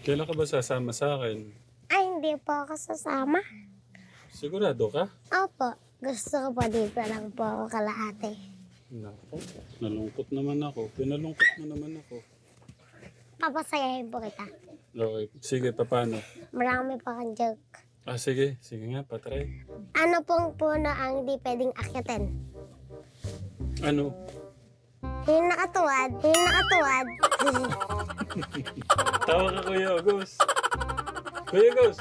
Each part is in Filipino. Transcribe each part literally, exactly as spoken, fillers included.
Kailan ka ba sasama sa akin? Ay, hindi po ako sasama. Sigurado ka? Opo, gusto ko po dito lang po ako kalahati. Nako, nalungkot naman ako. Pinalungkot mo naman ako. Papasayahin po kita. Okay, sige, paano? Marami pa kang joke. Ah, sige. Sige nga, patry. Ano pong puno ang di pwedeng akyatin? Ano? Yung nakatuwad, yung nakatuwad. Tawa ka, Kuya August. Kuya August!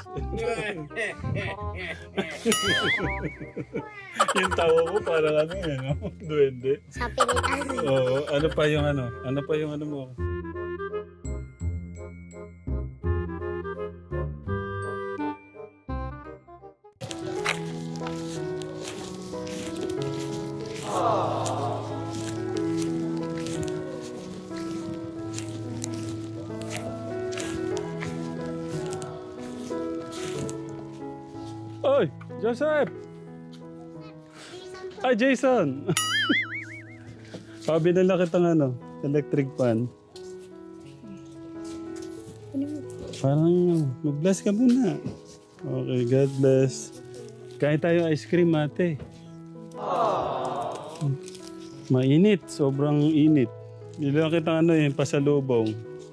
Yung tawa mo parang ano yan, no? Duwende. Sa pilitan. Oo, ano pa yung ano? Ano pa yung ano mo? Oy, Joseph! Ay, Jason! Sabi nila kitang ano, electric fan. Parang mag-bless ka muna. Okay, God bless. Kain tayo ice cream, ate. Mainit, sobrang init. Nila kitang ano yung pasalubong.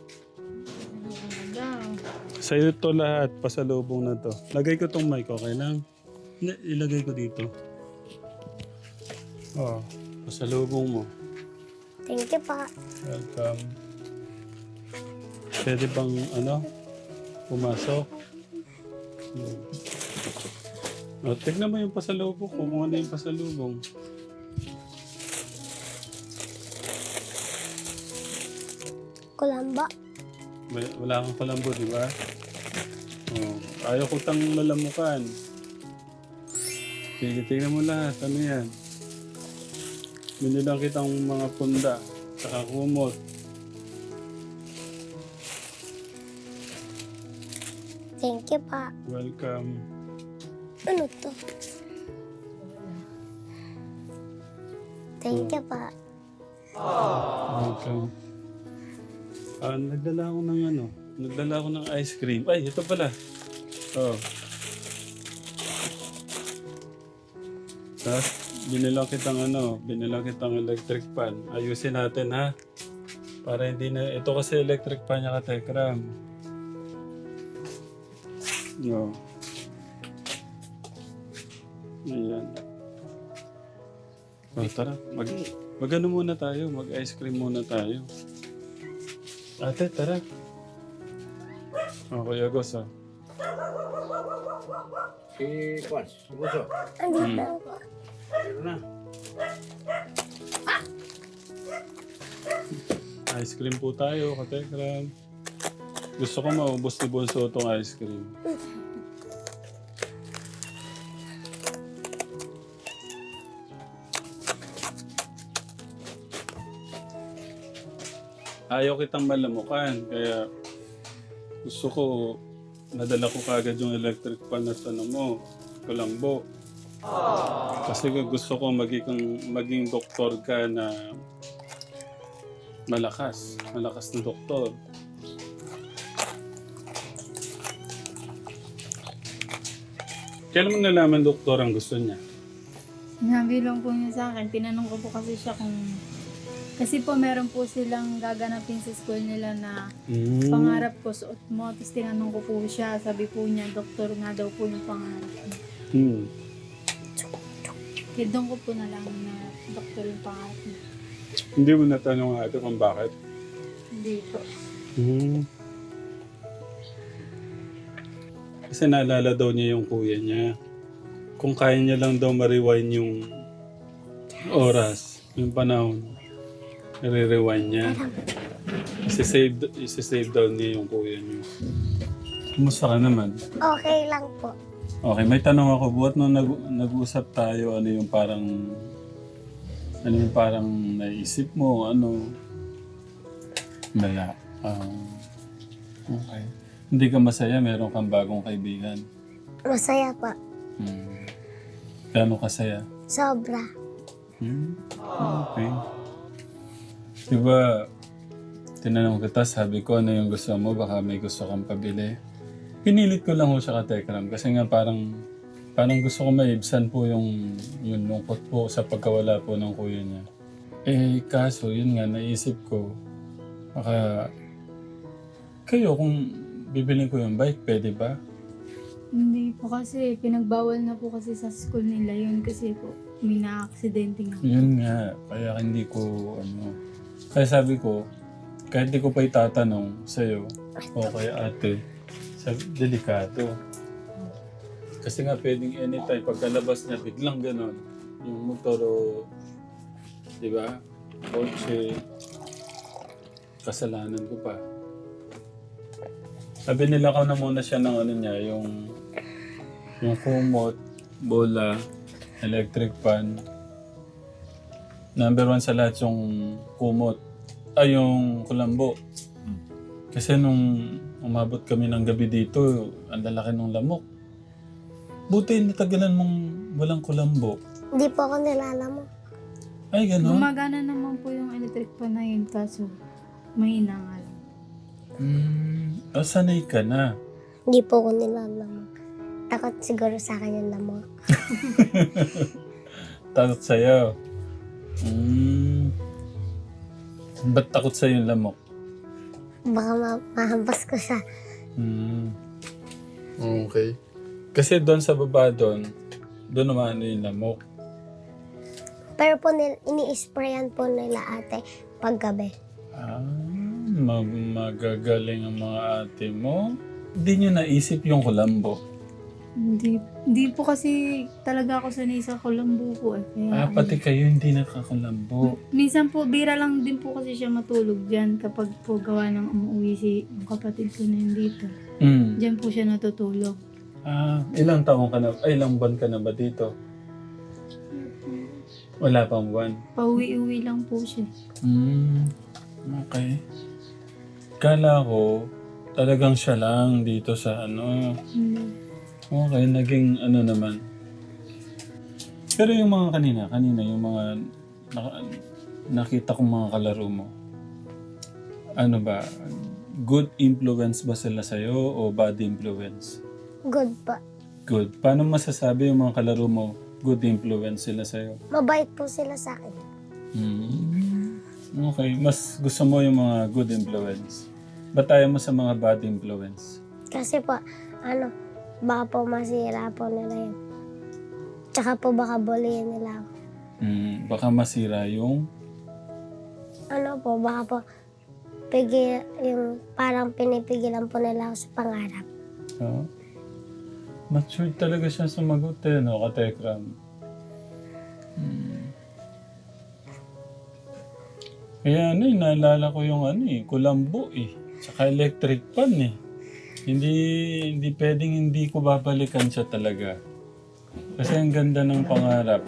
Sa'yo to lahat, pasalubong na to. Lagay ko tong mic, okay lang? Hindi, ilagay ko dito. Oh, pasalubong mo. Thank you po. Welcome. Pwede bang, ano, pumasok? Hmm. Oh, tignan mo yung pasalubong ko, kung ano yung pasalubong. Kulamba. May- Wala kang kalambo, di ba? Oh, ayaw ko tang lalamukan. Sige, tignan mo lahat. Ano yan? Binilang kitang mga punda. Saka kumot. Thank you po. Welcome. Ano to? Thank you po. Welcome. Ah, nagdala ako ng ano. Nagdala ako ng ice cream. Ay, ito pala. Oh. Tapos, binilang kitang ano, binilang kitang electric fan. Ayusin natin ha. Para hindi na, ito kasi electric fan niya ka, Tekram. No. Ayan. Oh, tara, mag, mag ano muna tayo, mag ice cream muna tayo. Ate, tara. Oh, Kuya Gos, ah. Si Kwan, si Buso. Andito po. Meron na. Ice cream po tayo, Katekram. Gusto ko maubos ni Bonso itong ice cream. Ayaw kitang malamukan, kaya gusto ko, nadala ko kagad yung electric fan na ano mo, kulambo. Kasi gusto ko maging, maging doktor ka na malakas, malakas na doktor. Kailan mo nalaman doktor ang gusto niya? Sinabi lang po niya sa akin, tinanong ko po kasi siya kung... Kasi po meron po silang gaganapin sa school nila na Mm. pangarap ko suot mo. Tapos tinanong ko po siya, sabi po niya, doktor nga daw po yung pangarap niya. Hmm. Kaya doon ko po nalaman na doktor yung pangarap niya. Hindi mo natanong ate kung bakit? Hindi po. Hmm. Kasi naalala daw niya yung kuya niya. Kung kaya niya lang daw ma-rewind yung oras, yung panahon, nare-rewind niya. Isi-save, isi-save daw niya yung kuya niya. Kumusta ka naman? Okay lang po. Okay, may tanong ako. Buhat nung nag- nag-usap tayo, ano yung parang... Ano yung parang naisip mo, ano... Wala. Um, okay. Hindi ka masaya, meron kang bagong kaibigan. Masaya po. Hmm. Gano'ng kasaya? Sobra. Hmm? Okay. Diba, tinanong kita, sabi ko, ano yung gusto mo? Baka may gusto kang pabili. Pinilit ko lang ho siya ka Tekram kasi nga parang parang gusto ko maibsan po yung, yung lungkot po sa pagkawala po ng kuya niya. Eh, kaso, yun nga, naisip ko, baka kayo, kung bibilin ko yung bike, pwede ba? Hindi po kasi, pinagbawal na po kasi sa school nila yun kasi po may na-aksidente nga. Yun nga, kaya hindi ko, ano, kaya sabi ko, kahit di ko pa itatanong sa'yo o kay ate, sa delikado. Kasi nga pwedeng anytime, pagkalabas niya, biglang ganon. Yung motor o, di ba, kotse, kasalanan ko pa. Sabi nila ko na muna siya ng ano niya, yung, yung kumot, bola, electric fan. Number one sa lahat yung kumot. Ay, yung kulambo. Kasi nung umabot kami ng gabi dito, ang lalaki ng lamok. Buti natagalan mong walang kulambo. Hindi po ako nilalamok. Ay, gano'n? Gumagana naman po yung electric fan na yun kaso mahina nga lang. Hmm, oh, sanay ka na. Hindi po ako nilalamok. Takot siguro sa akin yung lamok. Takot sa'yo. Hmm. Ba't takot sa'yo yung lamok? Baka ma- mahampas ko siya. Hmm. Okay. Kasi doon sa baba doon, doon naman ano yung lamok. Pero po nil- ini-sprayan po nila ate paggabi. Ah, ma- magagaling ang mga ate mo. Hindi nyo naisip yung kulambo. Hindi, hindi po kasi talaga ako sanay sa kulambo po eh. Kaya, Ah, pati kayo hindi nakakulambo. minsan po, bira lang din po kasi siya matulog dyan kapag po gawa ng umuwi si yung kapatid ko na yun dito. Hmm. Diyan po siya natutulog. Ah, ilang taong ka na, ay ilang buwan ka na ba dito? Wala pang buwan. Pauwi-uwi lang po siya. Hmm, okay. Kala ko, talagang siya lang dito sa ano. Hindi. Okay, naging ano naman. Pero yung mga kanina, kanina yung mga naka- nakita kong mga kalaro mo, ano ba, good influence ba sila sa'yo o bad influence? Good pa. Good. Paano masasabi yung mga kalaro mo, good influence sila sa'yo? Mabait po sila sa akin. Hmm. Okay, mas gusto mo yung mga good influence. Ba't tayo mo sa mga bad influence? Kasi po, ano, baka po masira po nila yun. Tsaka po baka bulihin nila ako. Hmm, baka masira yung... Ano po, baka po pigil, yung parang pinipigilan po nila ako sa pangarap. Oh. Mature talaga siya sumagot eh, no, Katekram. Hmm. Kaya ano eh, naalala ko yung ano eh, kulambo eh. Tsaka electric pan eh. Hindi, hindi pwedeng hindi ko babalikan siya talaga. Kasi ang ganda ng pangarap.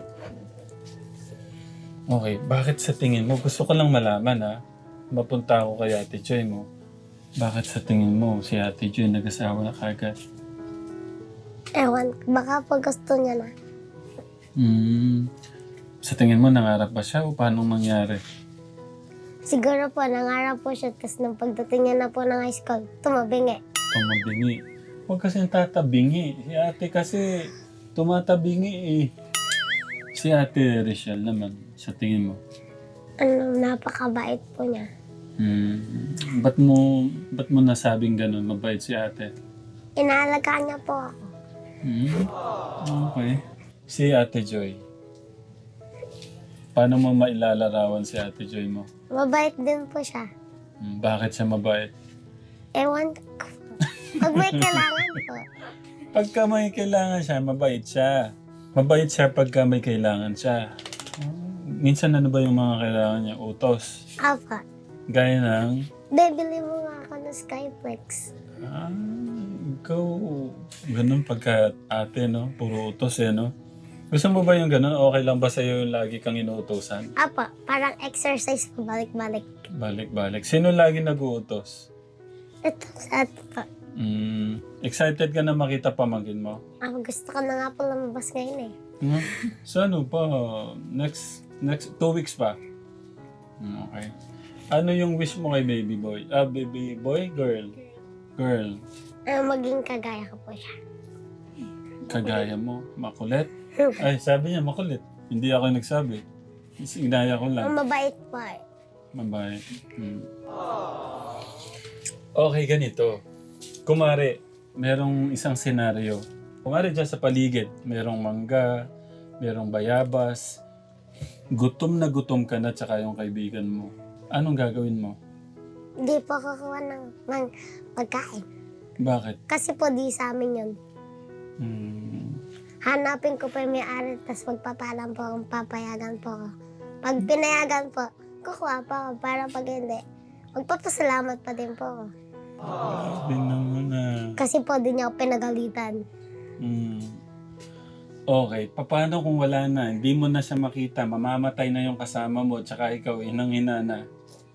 Okay, bakit sa tingin mo? Gusto ko lang malaman ha. Mapunta ako kay Ate Joy mo. Bakit sa tingin mo si Ate Joy nag-asawa na kagad? Ewan, baka po gusto niya na. Hmm. Sa tingin mo, nangarap ba siya o paano mangyari? Siguro po, nangarap po siya, tapos nung pagdating niya na po ng high school, tumabingi. Tumabingi. Huwag kasi tatabingi. Si ate kasi tumatabingi eh. Si ate Rachel naman, sa tingin mo. Ano, napakabait po niya. Hmm. Ba't mo, ba't mo nasabing ganun? Mabait si ate? Inaalagaan niya po ako. Hmm. Okay. Si Ate Joy. Paano mo mailalarawan si Ate Joy mo? Mabait din po siya. Hmm. Bakit siya mabait? Ewan ko. Pag may kailangan po. Pagka may kailangan siya, mabait siya. Mabait siya pagka may kailangan siya. Minsan ano ba yung mga kailangan niya? Utos. Apa, Gaya ng... bibili mo nga ako ng Skyflex. Ah, ikaw... Ganun pagka ate, no? Puro utos eh, no? Gusto mo ba yung ganun? Okay lang ba sa'yo yung lagi kang inuutosan? Apa, parang exercise po, balik-balik. Balik-balik. Sino lagi nag-uutos? Ito sa ato po. Mm, excited ka na makita pamangkin mo? Ah, gusto ko na nga po lumabas ngayon eh. Hmm? So ano pa? Next, next, two weeks pa? Hmm, okay. Ano yung wish mo kay baby boy? Ah, baby boy? Girl? Girl. Ah, maging kagaya ko po siya. Kagaya mo. Makulit? Ay, sabi niya makulit. Hindi ako yung nagsabi. Inaya ko lang. Mabait po eh. Mabait. Hmm. Okay, ganito. Kumari, merong isang senaryo. Kumari dyan sa paligid, merong mangga, merong bayabas. Gutom na gutom ka na tsaka yung kaibigan mo. Anong gagawin mo? Hindi po kukuha ng, ng pagkain. Bakit? Kasi po di sa amin yun. Hmm. Hanapin ko po yung may-ari, tapos magpapalam po akong papayagan po ako. Pag pinayagan po, kukuha po ako para pag hindi, magpapasalamat pa din po ako. Sabi naman na. Kasi po di niya ako pinagalitan. Hmm. Okay, paano kung wala na? Hindi mo na siya makita, mamamatay na yung kasama mo, tsaka ikaw, inang-ina na.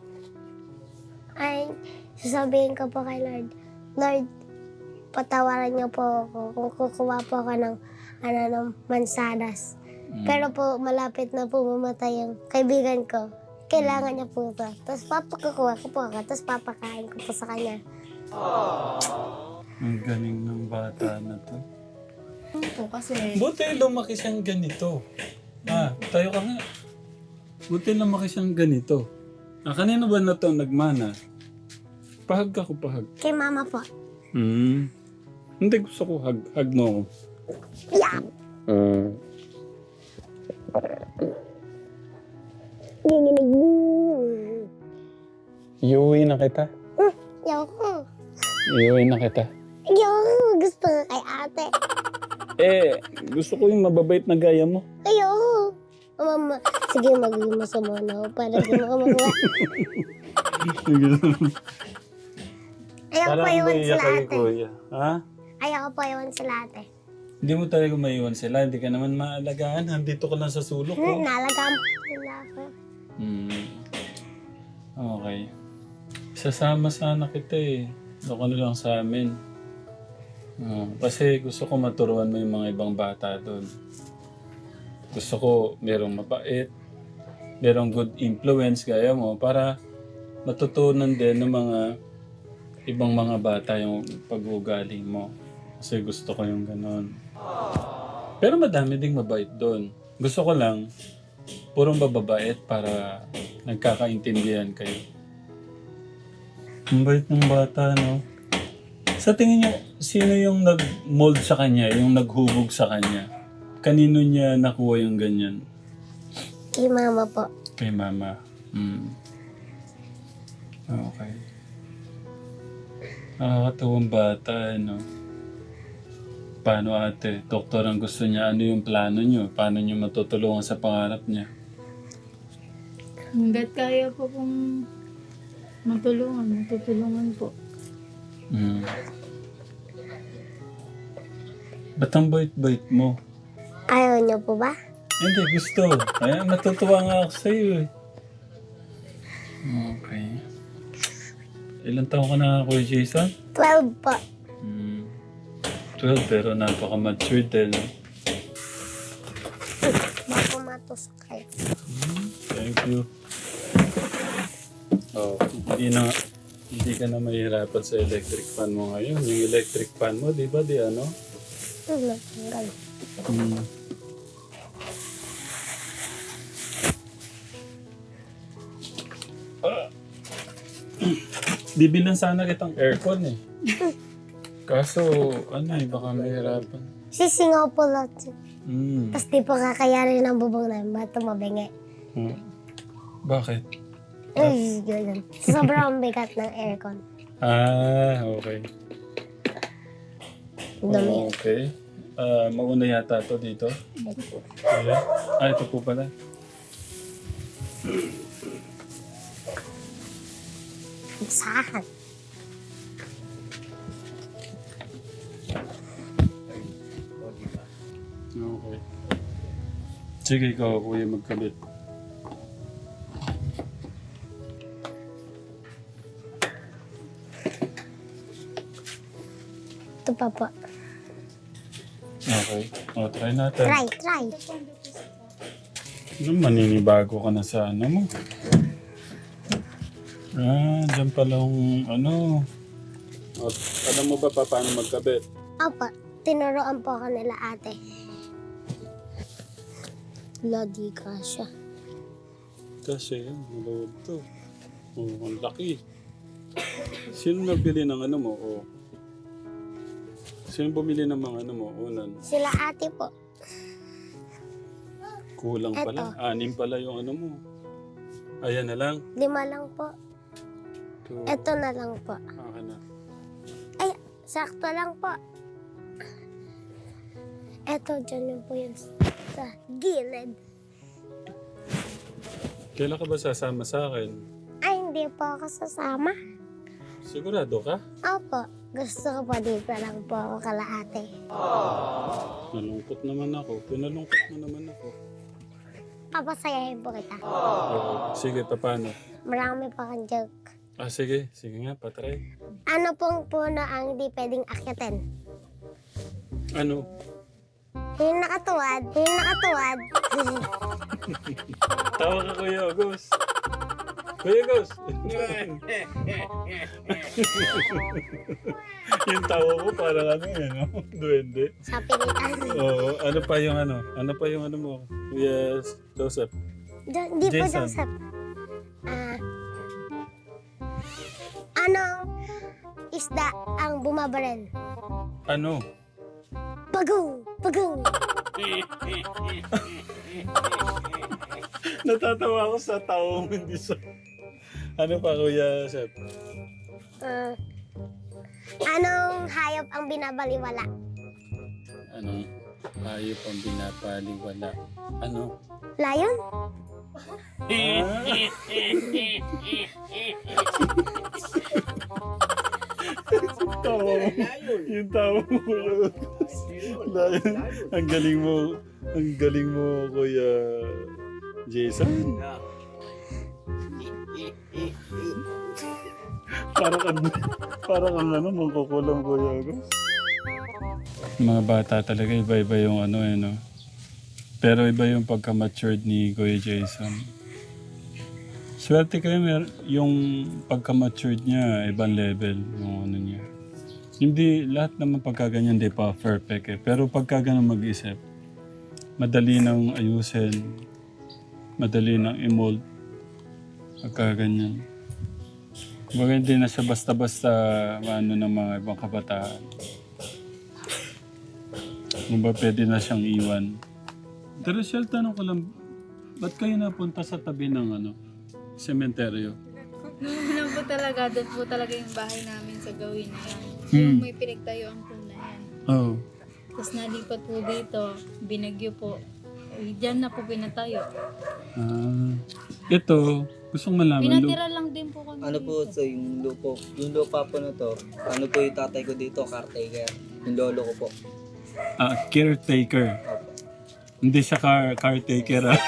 Ay, sasabihin ko po kay Lord, Lord, patawaran niyo po ako kung kukuha po ako ng, ano, ng mansanas. Hmm. Pero po, malapit na po mamatay yung kaibigan ko. Kailangan niya po ito. Tapos papakukuha ko po ako, tapos papakain ko po sa kanya. Ang galing ng bata na to. Po kasi Buti lumaki siyang ganito. Ah, tayo ka nga. Buti lumaki siyang ganito. Ah, kanino ba na to nagmana? Pahag ako, pahag. Kay mama po. Hmm. Hindi, gusto ko hag. Hag mo ako. Yeah! Uh, Ginginig mo. iuwi na kita. Ayoko. Iuwi na kita. Ayoko. Gusto nga kay ate. Eh, gusto ko yung mababait na gaya mo. Ayoko. O mama, sige magiging masama na ako para di mo ka makuha. Ayoko Parang pa iwan umiiyak sila kay ate. kuya. Ha? Ayoko pa iwan sila ate. Hindi mo talaga maiwan sila. Hindi ka naman maalagaan. Nandito ka lang sa sulok Hmm, ko. nalagaan po nila ako. Hmm. Okay. Sasama sana kita eh. Doon ka na lang sa amin. Ah, kasi gusto ko maturuan mo yung mga ibang bata doon. Gusto ko merong mabait, merong good influence gaya mo para matutunan din ng mga ibang mga bata yung pag-uugali mo. Kasi gusto ko yung ganon. Pero madami ding mabait doon. Gusto ko lang, purong bababait para nagkakaintindihan kayo. Ang bait ng bata, no? Sa tingin niyo, sino yung nag-mold sa kanya, yung naghubog sa kanya? Kanino niya nakuha yung ganyan? Kay mama po. Kay mama. Hmm. Okay. Nakakatuwang bata, ano? Paano ate? Doktor ang gusto niya. Ano yung plano niyo? Paano niyo matutulungan sa pangarap niya? hanggat kaya po kung matulungan, matutulungan po. Hmm. Ba't ang bait-bait mo? Ayaw niyo po ba? Hindi, gusto. Kaya natutuwa nga ako sa'yo eh. Okay. Ilan taon ka na, Kuya Jason? twelve po. Hmm. twelve, pero napaka-matured eh, no? Baka matusok kayo. Thank you. Oh, hindi na, hindi ka na mahirapan sa electric fan mo ngayon. Yung electric fan mo, di ba, di ano? Hmm, natanggal. Hmm. Ah. Bibilan sana kitang aircon eh. Kaso, ano eh, baka mahirapan. Sisingaw po lahat. Hmm. Tapos di po kakayarin ng bubong namin. Ba't tumabingi? Hmm. Bakit? Ay, yun. Sobrang bigat ng aircon. Ah, okay. Dumi. Okay. Ah, mauna yata to dito. Ayan. Ah, ito po pala. Saan? Okay. Sige, ikaw, kuya, magkabit. Ito pa po. Okay. O, try natin. Try, try. Ano, maninibago ka na sa ano mo. Ah, dyan palang ano. At, alam mo ba pa paano magkabit? Opo, tinuruan po ako nila ate. Lodi ka siya. Kasi yan, malawag to. Oh, ang laki. Sino nagbili ng ano mo? Oh. Sino bumili ng mga ano mo? Unan. Sila ate po. Kulang pala. Anim pala yung ano mo. Ayan na lang. Lima lang po. Two. Ito na lang po. Akin na. Ay, sakto lang po. Ito, dyan yun po yun sa gilid. Kailan ka ba sasama sa akin? Ay, hindi po ako sasama. Sigurado ka? Opo, gusto ko po dito lang po ako kala ate. Nalungkot naman ako. Pinalungkot mo naman ako. Papasayahin po kita. Oo. Sige, paano? Marami pa kang joke. Ah, sige. Sige nga, patry. Ano pong puno ang hindi pwedeng akyatin? Ano? Yung nakatuwad, yung nakatuwad. Tawa ka, Kuya August. Kuya August! Yung tawa ko parang ano yun, no? Duwende. Sa pilitan. Oo. Ano pa yung ano? Ano pa yung ano mo? Yes, Joseph. Jo- Di po, Jason. Joseph. Ah, anong isda ang bumabarel? Ano? Pagong! Pagong! Natatawa ako sa tao mo, hindi sa... Ano pa, Kuya Joseph? Ah, anong hayop ang binabaliwala? Ano? Hayop ang binapaliwala. Ano? Lion? Tawa mo. Yung tawa mo, Kuya August. Dahil, ang galing mo, ang galing mo, Kuya Jason. Parang kang, parang kang ano, mangkukulam, Kuya August. Mga bata talaga, iba-iba yung ano eh, no? Pero iba yung pagka-matured ni Kuya Jason. Swerte kayo, mer yung pagka-matured niya, ibang level, yung ano niya. Hindi, lahat naman pagkaganyan, di pa perfect eh. Pero pagkaganyan mag-isip, madali nang ayusin, madali nang i-mold, pagkaganyan. Baga hindi na siya basta-basta ano ng mga ibang kabataan. Kung ba pwede na siyang iwan. Pero Shel, tanong ko lang, ba't kayo napunta sa tabi ng ano, sementeryo? Noong una po talaga, doon po talaga yung bahay namin sa gawin na yan. Hmm. Yung may pinagtayuan po na yan. Oo. Oh. Tapos nalipat po dito, binagyo po. Eh, Diyan na po pinatayo. Ah, ito, gusto kong malaman. Lu- Pinatira lang din po kami Ano po dito. so yung lupo, yung lupa po na to, ano po yung tatay ko dito, caretaker. Yung lolo ko po. ah, caretaker. Opo. Hindi siya car caretaker ah.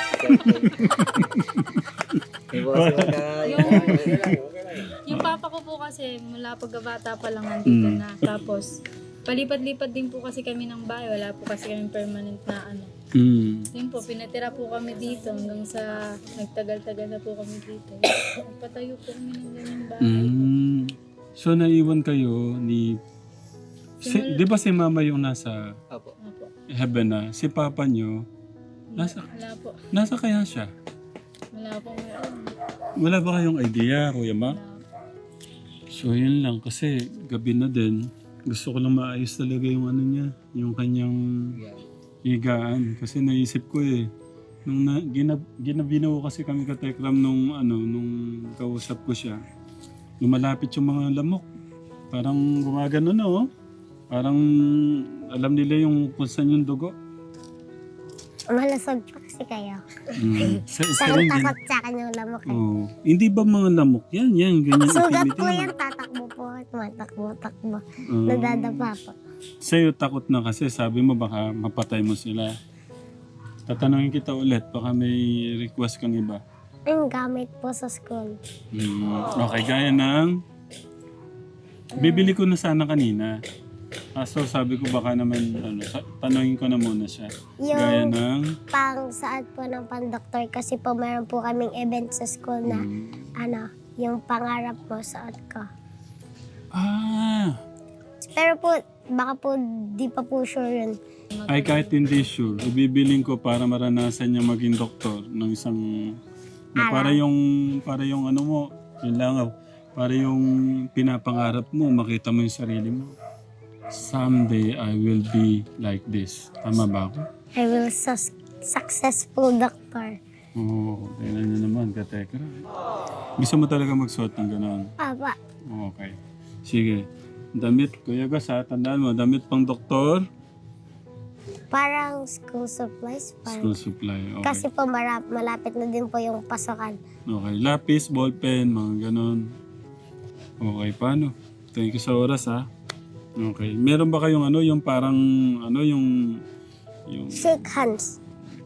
Yung po kasi magka... Yung papa ko po kasi mula pagkabata pa lang nandito Mm. na. Tapos palipat-lipat din po kasi kami ng bahay. Wala po kasi kami permanent na ano. Mm. Yun po, pinatira po kami dito hanggang sa nagtagal-tagal na po kami dito. Nagpatayo po kami ng ganyang bahay. Mm. So naiwan kayo ni... Si, Simula- di ba si mama yung nasa Opo. Opo. heaven na? Si papa nyo, nasa, Wala po. nasa kaya siya? Wala po meron. Wala ba kayong idea, Kuya Ma? Wala. So yun lang, kasi gabi na din. Gusto ko lang maayos talaga yung ano niya, yung kanyang Yeah. higaan. Kasi naisip ko eh, nung na, ginab, ginabinaw kasi kami ka Tekram nung ano, nung kausap ko siya. Lumalapit yung mga lamok. Parang gumagano na oh. Parang alam nila yung kung saan yung dugo. Malasog pa kasi kayo. Mm. Sa isa Saan rin din. takot sa akin yung lamok eh. Oh. Hindi ba mga lamok? Yan, yan. Ganyan Sugat itim-itim. po yan, tatakbo po. Tumatakbo, takbo. Oh. Nadadapa po. Sa'yo takot na kasi sabi mo baka mapatay mo sila. Tatanungin kita ulit, baka may request kang iba. Yung gamit po sa school. Hmm. Okay, gaya ng... Bibili ko na sana kanina. Kaso sabi ko baka naman, ano, sa- tanungin ko na muna siya. Gaya Yung ng... pang saad po ng pandoktor kasi po meron po kaming event sa school na Hmm. ano, yung pangarap mo suot ko. Ah, Pero po, baka po di pa po sure yun. ay kahit hindi sure, ibibiling ko para maranasan niya maging doktor ng isang na para yung para yung ano mo, yun lang ah, para yung pinapangarap mo, makita mo yung sarili mo. Someday I will be like this. Tama ba ako? I will sus- successful doctor. Oo, oh, tingnan niyo naman, katekra. Gusto mo talaga magsuot ng gano'n? Papa, Okay. Sige. Damit, Kuya Gus ha, tandaan mo, damit pang doktor, parang school supplies. school Parang. supply. Okay. Kasi po marap, malapit na din po yung pasokan. Okay. Lapis, ballpen, mga ganon. Okay, paano? Thank you sa oras ha. Okay. Meron ba kayong ano, yung parang, ano, yung, yung, Shake hands.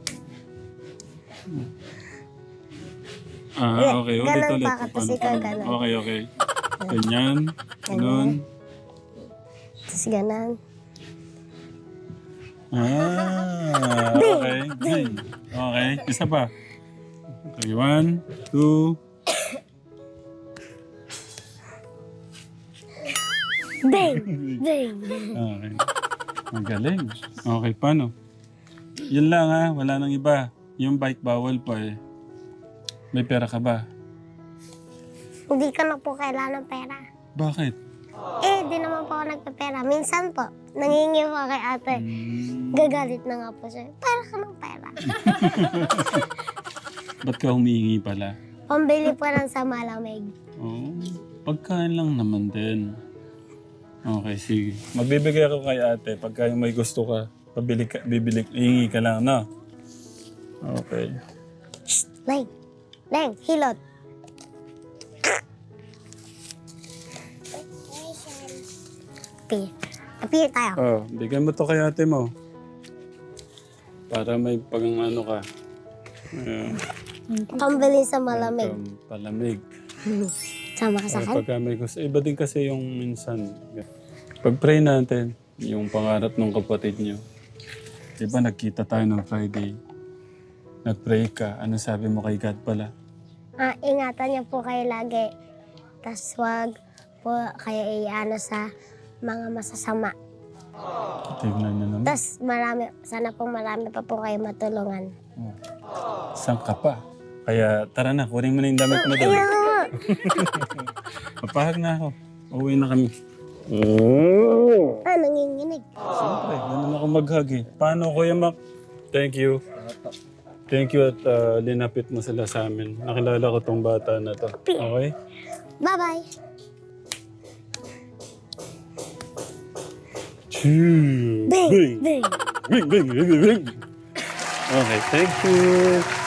ah, okay. Ulit, Ganon ulit. pa, kasi ikaw ganon. Okay, okay. Ganyan, ganon. Tapos ganun. Ah, okay. Ding. Okay, isa pa. Okay, one, two. Bang! Bang! Okay. Magaling. Okay, paano? Yun lang ha, wala nang iba. Yung bike bawal pa eh. May pera ka ba? Hindi ko na po kailangan ng pera. Bakit? Eh, di naman po ako nagpapera. Minsan po, nangingi po kay ate. Hmm, Gagalit na nga po siya. Para ka ng pera. ba't ka humihingi pala? Pambili po lang sa malamig. Oh, pagkain lang naman din. Okay, sige. Magbibigay ako kay ate pagka yung may gusto ka. Pabili ka, bibili, hihingi ka lang, no? Okay. Leng! Leng! Hilot! Appear. Appear tayo. Oh, bigyan mo to kay ate mo. Para may pag ano ka. Ayan. Pambili sa malamig. Welcome, palamig. Sama ka sa Ay, akin. pagka may gusto. Iba din kasi yung minsan. Pag-pray natin, yung pangarap ng kapatid nyo. Diba nagkita tayo ng Friday. Nag-pray ka. Ano sabi mo kay God pala? Ah, ingatan niyo po kayo lagi. Tapos wag po kayo iano sa mga masasama. Tignan nyo naman. Tapos marami, sana po marami pa po kayo matulungan. Oh. Saan ka pa? Kaya tara na, kunin mo na yung damit mo doon. Ayun! Papahag na ako. Uwi na kami. Ah, nanginginig. Siyempre, ganun ako mag-hug eh. Paano, Kuya Mac? Thank you. Thank you at uh, linapit mo sila sa amin. Nakilala ko tong bata na to. Okay? Bye-bye. Choo! Bing! Bing! Bing! Bing! Bing! Bing! Bing! Okay, thank you.